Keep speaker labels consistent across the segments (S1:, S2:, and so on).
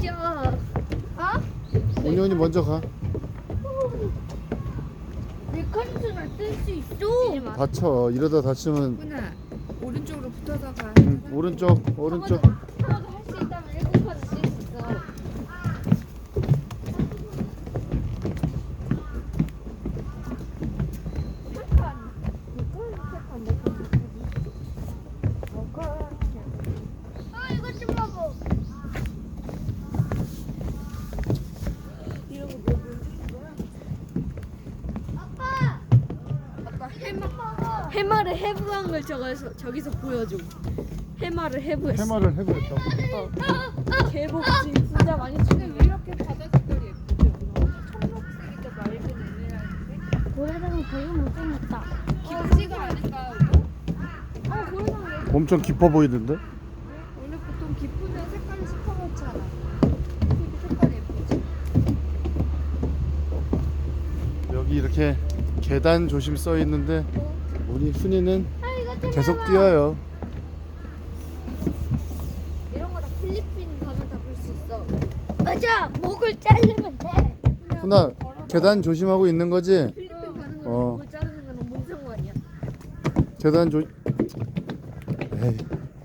S1: 온유언니 먼저 가.
S2: 내 컨트롤 뜰수 있어.
S1: 다쳐. 이러다 다치면.
S3: 훈아 오른쪽으로 붙어서 가.
S1: 오른쪽 오른쪽.
S2: 하나도 할 수 있다면 7칸 뜰수 있어. 이거 좀 봐봐. 아빠.
S3: 아빠
S2: 해마를 해부한 걸 저기서 보여줘. 해마를 해부했어.
S1: 해마를 해보겠다고.
S2: 개복지 진짜 많이
S3: 근데
S2: 주네.
S3: 왜 이렇게 바다 색깔이 예쁘지? 청록색인데 맑은 에메랄드색?
S2: 고래상이 되게 못생겼다.
S3: 김치가 아닐까?
S2: 고래상 왜?
S1: 엄청 깊어 보이는데?
S3: 원래 보통 깊으면 색깔이 시커멓잖아. 되게 색깔이 예쁘지?
S1: 여기 이렇게 계단 조심 써 있는데 우리 순이는
S2: 이거 좀
S1: 계속
S2: 봐봐.
S1: 뛰어요.
S2: 이런 거 다 필리핀 가면 다 볼 수 있어. 맞아. 목을 자르면 돼.
S1: 훈아 계단 조심하고 있는 거지?
S2: 필리핀 가는 거
S1: 어.
S2: 목을 자르는 건 너무 무서운 거 아니야?
S1: 계단 조. 에이.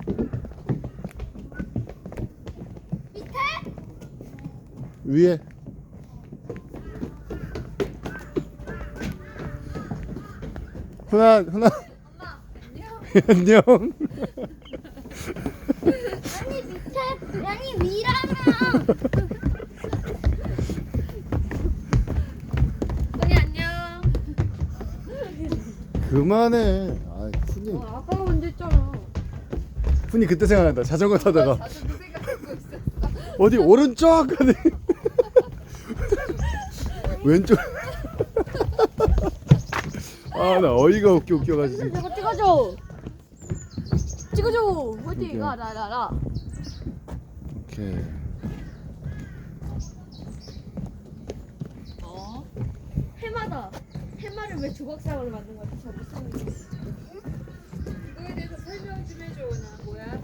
S2: 밑에?
S1: 위에. 훈아
S2: 엄마.
S1: 안녕.
S2: 아니 밑에. 아니 위라면.
S3: 언니 안녕.
S1: 그만해. 아, 훈이
S2: 아빠가 먼저 했잖아.
S1: 훈이 그때 생각난다. 자전거 타다가
S3: 나도 그 생각하고 있었어.
S1: 어디 오른쪽 하니 왼쪽. 아 나 어이가 웃겨가지고.
S2: 저거 찍어줘. 찍어줘.
S1: 오케이.
S2: 어디 가 나라라.
S1: 오케이.
S2: 해마다. 해마를 왜 조각상으로 만든 거지? 저 무슨 거?
S3: 이거에 대해서 설명 좀 해줘. 나 뭐야?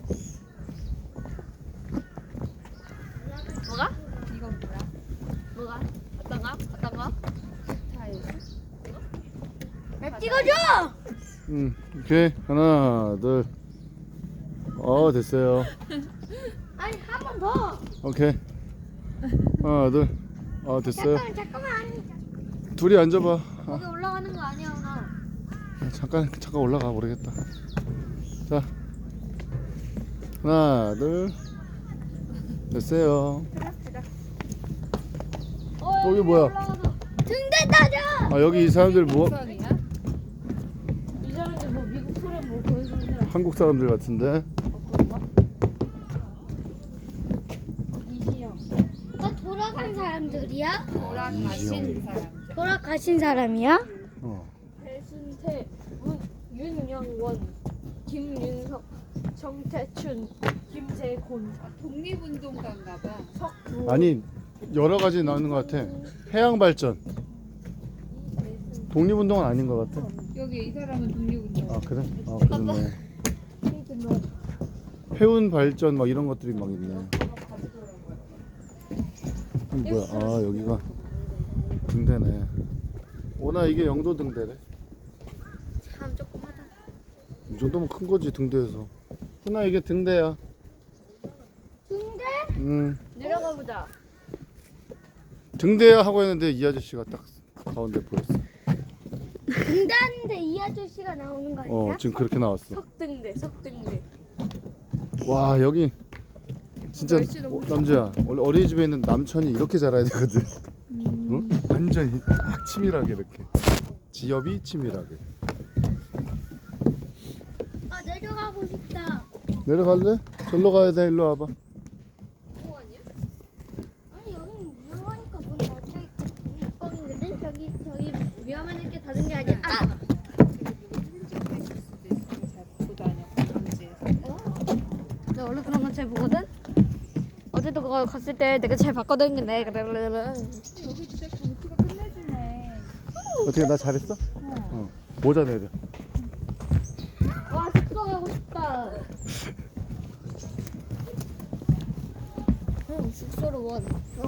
S2: 뭐가?
S3: 이건 뭐야?
S2: 뭐가? 어떤 거? 어떤 거?
S3: 타일.
S2: 나 찍어줘.
S1: 오케이 하나 둘. 됐어요.
S2: 아니 한 번 더.
S1: 오케이 하나 둘. 됐어요.
S2: 잠깐만.
S1: 둘이 앉아봐.
S2: 거기 올라가는 거 아니야 나.
S1: 잠깐 올라가 모르겠다. 자 하나 둘. 됐어요. 여기 뭐야?
S2: 등대 따져.
S1: 여기 이 사람들 뭐
S3: 우선이야?
S2: 이 사람들 뭐 미국 소련 뭐 보여주는 사람.
S1: 한국 사람들 같은데.
S2: 이시영. 돌아간 사람들이야?
S3: 돌아가신 사람.
S2: 돌아가신 사람이야?
S1: 어.
S2: 배순태, 윤영원, 김윤석, 정태춘, 김재곤,
S3: 독립운동가인가 봐.
S2: 석두.
S1: 아니 여러 가지 나오는 것 같아. 해양 발전. 독립운동은 아닌 것 같아.
S3: 여기 이 사람은 독립운동가.
S1: 아 그래? 그러네. 해운 발전 막 이런 것들이 막 있네. 뭐야? 여기가 등대네. 오나 이게 영도 등대래.
S2: 참 조그마다.
S1: 이 정도면 큰 거지 등대에서. 훈아 이게 등대야.
S2: 등대? 내려가 보자.
S1: 등대야 하고 했는데 이 아저씨가 딱 가운데 보였어.
S2: 등대하는데 이 아저씨가 나오는 거 아니야?
S1: 지금 그렇게 나왔어.
S2: 석등대.
S1: 와 여기 진짜
S3: 날씨 너무
S1: 남자야. 원래 어린이집에 있는 남천이 이렇게 자라야 되거든. 응? 완전히 딱 치밀하게 이렇게. 지엽이 치밀하게.
S2: 내려가고 싶다.
S1: 내려갈래? 절로 가야 돼. 일로 와봐.
S2: 뭐 아니야? 아니 여기 위험하니까 문 닫혀있고 거기거든? 저기 위험한 게 닫은 게 아니야. 나 원래 그런 건 잘 보거든? 어제도 그거 갔을 때 내가 잘 봤거든. 근데
S3: 여기 진짜 경치가 끝내주네.
S1: 어떻게 나 잘했어? 모자 내려.
S2: 와 숙소 가고 싶다. 숙소로 원.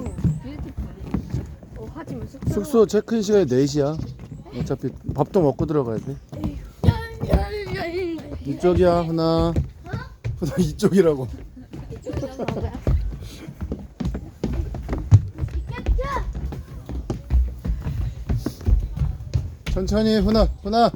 S2: 하지만 숙소로
S1: 숙소 체크인 시간이 4시야. 어차피 밥도 먹고 들어가야 돼. 이쪽이야 훈아. 훈아 이쪽이라고. 천천히 훈아 훈아.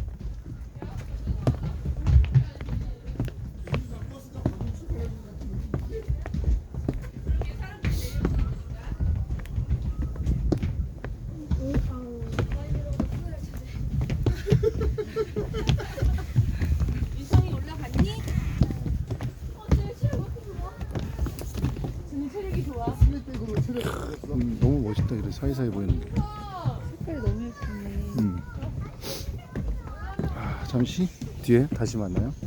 S3: 유성이 올라갔니? 지금 체력이 좋아.
S1: 너무 멋있다. 이래 사이사이 보이는 게.
S3: 색깔이 너무 예쁘네.
S1: 잠시 뒤에 다시 만나요.